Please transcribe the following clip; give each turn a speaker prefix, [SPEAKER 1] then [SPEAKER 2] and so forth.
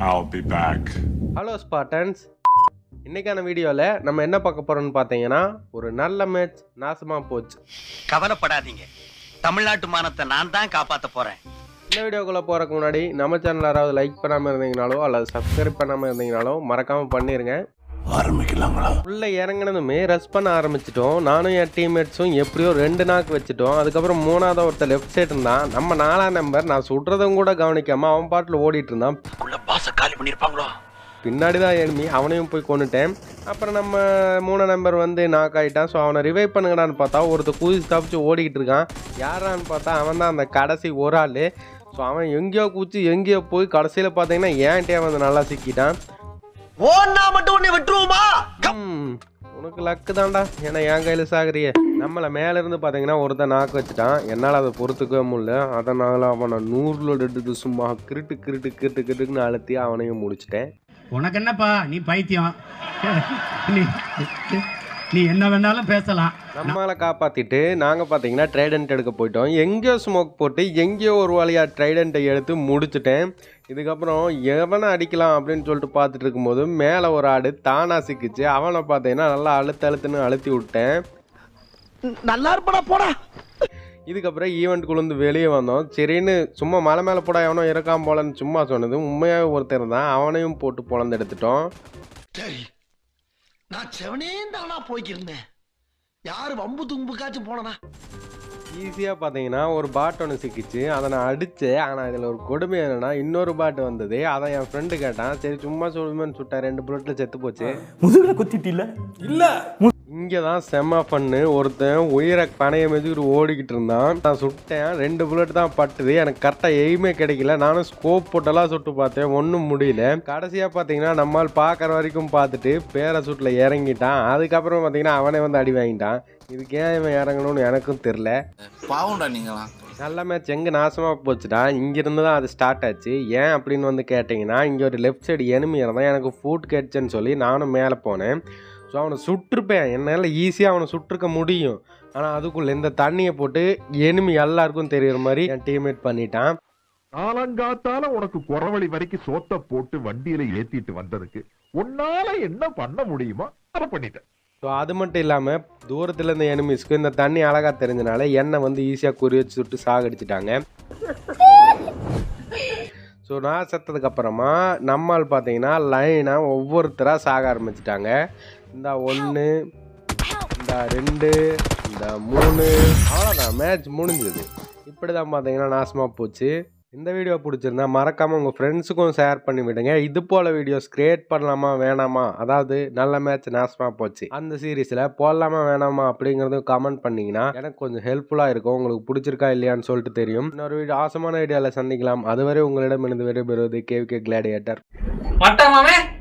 [SPEAKER 1] I'll be back.
[SPEAKER 2] Hello Spartans, இன்னைக்கான வீடியோவில் நம்ம என்ன பார்க்க போறோம்னு பார்த்தீங்கன்னா, ஒரு நல்ல மேட்ச் நாசமா போச்சு.
[SPEAKER 3] கவலைப்படாதீங்க, தமிழ்நாட்டு மானத்தை நான் தான் காப்பாற்ற போறேன்.
[SPEAKER 2] இந்த வீடியோக்குள்ளே போகிறதுக்கு முன்னாடி நம்ம சேனல் யாராவது லைக் பண்ணாமல் இருந்தீங்கனாலோ அல்லது சப்ஸ்கிரைப் பண்ணாமல் இருந்தீங்கனாலோ மறக்காமல் பண்ணிடுங்க.
[SPEAKER 1] ஆரம்பிக்கலாங்களா?
[SPEAKER 2] உள்ளே இறங்கினதுமே ரஷ் பண்ண ஆரம்பிச்சிட்டோம். நானும் என் டீம்மேட்ஸும் எப்படியோ 2 நாக்கு வச்சுட்டோம். அதுக்கப்புறம் 3ஆவது ஒருத்தர் லெஃப்ட் சைடு இருந்தான். நம்ம 4ஆம் நம்பர் நான் சுடுறதும் கூட கவனிக்காமல் அவன் பாட்டில் ஓடிட்டு இருந்தான்.
[SPEAKER 3] காலி பண்ணியிருப்பாங்களோ.
[SPEAKER 2] பின்னாடி தான் எனிமி, அவனையும் போய் கொண்டுட்டேன். அப்புறம் நம்ம 3 நம்பர் வந்து நாக் ஆகிட்டான். ஸோ அவனை ரிவைவ் பண்ணுங்கடான்னு பார்த்தா ஒருத்தர் குதிச்சு தப்பிச்சு ஓடிக்கிட்டு இருக்கான். யாரான்னு பார்த்தா அவன் தான் அந்த கடைசி ஒரு ஆள். ஸோ அவன் எங்கேயோ குச்சி எங்கேயோ போய் கடைசியில் பார்த்தீங்கன்னா ஏன்ட்டே வந்து நல்லா சிக்கிட்டான். உனக்கு லக்கு தான்டா, ஏன்னா என் கையில் சாகுறிய. நம்மளை மேலேருந்து பார்த்தீங்கன்னா ஒருத்தன் நாக்கு வச்சுட்டான். என்னால் அதை பொறுத்துக்கவே முடியல. அதனால் அவனை 100 எடுத்து சும்மா கிருட்டுன்னு அழுத்தி அவனையும் முடிச்சிட்டேன்.
[SPEAKER 4] உனக்கு என்னப்பா, நீ பைத்தியம், நீ என்ன வேணாலும் பேசலாம்.
[SPEAKER 2] நம்மளை காப்பாற்றிட்டு நாங்கள் பார்த்தீங்கன்னா ட்ரைடன்ட் எடுக்க போயிட்டோம். எங்கேயோ ஸ்மோக் போட்டு எங்கேயோ ஒரு வழியாக ட்ரைடண்ட்டை எடுத்து முடிச்சுட்டேன். இதுக்கப்புறம் எவனை அடிக்கலாம் அப்படின்னு சொல்லிட்டு பார்த்துட்டு இருக்கும்போது மேலே ஒரு ஆடு தானா சிக்கிச்சு. அவனை பார்த்தீங்கன்னா நல்லா அழுத்துன்னு அழுத்தி விட்டேன்.
[SPEAKER 3] நல்லா இருப்படா போடா.
[SPEAKER 2] இதுக்கப்புறம் ஈவெண்ட்டுக்குள்ளேருந்து வெளியே வந்தோம். சரின்னு சும்மா மலை மேலே போட எவனோ இருக்கான் போலன்னு சும்மா சொன்னது உண்மையாக ஒருத்தர் தான். அவனையும் போட்டு பொழந்து எடுத்துட்டோம்.
[SPEAKER 5] சரி, நான் செவனே தானா போய்க்கிருந்தேன். யாரு வம்பு தும்புக்காச்சும் போனனா?
[SPEAKER 2] ஈஸியாக பார்த்தீங்கன்னா ஒரு பாட் ஒன்று சிக்கிச்சு. அதை நான் அடித்தேன். ஆனால் இதில் ஒரு கொடுமை என்னென்னா இன்னொரு பாட்டு வந்தது. அதை என் ஃப்ரெண்டு கேட்டான். சரி சும்மா சொல்லுமேன்னு சுட்டேன். 2 புல்லட்டில் செத்து போச்சு.
[SPEAKER 6] முதுகில் குத்திட்டில்ல? இல்லை.
[SPEAKER 2] இங்கே தான் செம்ம பண்ணு. ஒருத்தன் உயிரை பனைய மெதுக்கிட்டு ஓடிக்கிட்டு இருந்தான். நான் சுட்டேன். 2 புல்லட் தான் பட்டுது. எனக்கு கரெக்டாக எய்மே கிடைக்கல. நானும் ஸ்கோப் போட்டெல்லாம் சுட்டு பார்த்தேன், ஒன்றும் முடியல. கடைசியாக பார்த்தீங்கன்னா நம்மால் பார்க்குற வரைக்கும் பார்த்துட்டு பேராசூட்டில் இறங்கிட்டான். அதுக்கப்புறம் பார்த்தீங்கன்னா அவனே வந்து அடி வாங்கிட்டான். இதுக்கு ஏன் இவன் இறங்கணும்னு எனக்கும் தெரில.
[SPEAKER 6] பாவம்டா நீங்களாம்.
[SPEAKER 2] நல்ல மேட்ச் எங்கே நாசமாக போச்சுடா. இங்கேருந்து தான் அது ஸ்டார்ட் ஆச்சு. ஏன் அப்படின்னு வந்து கேட்டிங்கன்னா, இங்கே ஒரு லெஃப்ட் சைடு எனிமி இருந்தான். எனக்கு ஃபுட் கேட்சுன்னு சொல்லி நானும் மேலே போனேன். ஸோ அவனை சுட்டிருப்பேன். என்னால் ஈஸியாக அவனை சுட்டிருக்க முடியும். ஆனால் அதுக்குள்ளே இந்த தண்ணியை போட்டு எனிமி எல்லாருக்கும் தெரியுற மாதிரி என் டீம்மேட் பண்ணிட்டான்.
[SPEAKER 7] காலங்காத்தால உனக்கு குறவழி வரைக்கும் சோத்த போட்டு வண்டியில ஏத்திட்டு வந்ததுக்கு உன்னால என்ன பண்ண முடியுமோ அதை பண்ணிட்டேன்.
[SPEAKER 2] ஸோ அது மட்டும் இல்லாமல் தூரத்தில் இருந்த எனிமிஸ்க்கு இந்த தண்ணி அழகாக தெரிஞ்சனால என்னை வந்து ஈஸியாக குறி வச்சு சுட்டு சாகடிச்சிட்டாங்க. ஸோ நான் செத்ததுக்கப்புறமா நம்மால் பார்த்தீங்கன்னா லைனாக ஒவ்வொருத்தராக சாக ஆரம்பிச்சிட்டாங்க. இந்த 1, இந்த 2, இந்த 3, அவ்வளோதான் மேட்ச் முடிஞ்சது. இப்படி தான் பார்த்தீங்கன்னா நாசமாக போச்சு. இந்த வீடியோ பிடிச்சிருந்தா மறக்காமல் உங்கள் ஃப்ரெண்ட்ஸுக்கும் ஷேர் பண்ணி விடுங்க. இது போல் வீடியோஸ் கிரியேட் பண்ணலாமா வேணாமா, அதாவது நல்ல மேட்ச் நாசமாக போச்சு அந்த சீரீஸில் போடலாமா வேணாமா அப்படிங்கிறதும் கமெண்ட் பண்ணிங்கன்னா எனக்கு கொஞ்சம் ஹெல்ப்ஃபுல்லாக இருக்கும். உங்களுக்கு பிடிச்சிருக்கா இல்லையான்னு சொல்லிட்டு தெரியும். இன்னொரு வீடியோ ஆசமான ஐடியாவில் சந்திக்கலாம். அதுவரை உங்களிடம் இருந்து விடைபெறுவது KVK கிளாடியேட்டர்.